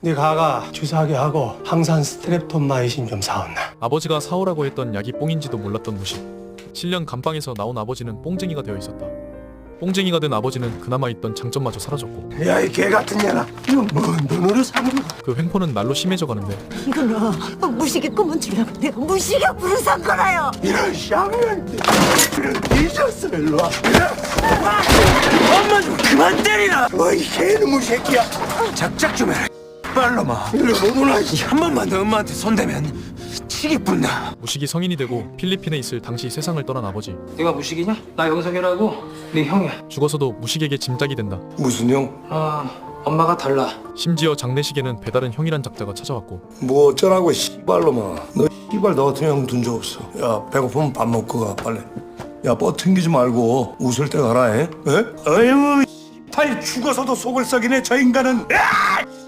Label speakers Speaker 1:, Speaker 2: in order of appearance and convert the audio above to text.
Speaker 1: 네 가가 주사하게 하고 항산 스트랩톤마이신 좀 사온나.
Speaker 2: 아버지가 사오라고 했던 약이 뽕인지도 몰랐던 무식. 실년 감방에서 나온 아버지는 뽕쟁이가 되어 있었다. 뽕쟁이가 된 아버지는 그나마 있던 장점마저 사라졌고
Speaker 1: 야, 이 개 같은 년아, 이거 뭔 돈으로 사는 거야?
Speaker 2: 그 횡포는 날로 심해져 가는데
Speaker 3: 이거는 무식의 꿈은 주려고 내가 무식의 불을 산 거라요.
Speaker 1: 이런 쌍년들, 이런 뒤졌어. 일로 와. 엄마 좀 그만 때리라. 어이 개놈의 새끼야. 작작 좀 해라. 빨로마. 일로 못 오나. 한 번만 더 엄마한테 손대면 치기 뿐다.
Speaker 2: 무식이 성인이 되고 필리핀에 있을 당시 세상을 떠난 아버지.
Speaker 4: 네가 무식이냐? 나 영석이라고 네 형이야.
Speaker 2: 죽어서도 무식에게 짐짝이 된다.
Speaker 1: 무슨 형?
Speaker 4: 엄마가 달라.
Speaker 2: 심지어 장례식에는 배다른 형이란 작자가 찾아왔고
Speaker 1: 뭐 어쩌라고 씨발로마. 너 씨발 너 같은 형 둔 적 없어. 야 배고프면 밥 먹고 가 빨리. 야 뻗튕기지 말고 웃을 때 가라 해. 에? 어휴 씨발 죽어서도 속을 썩이네 저 인간은. 야!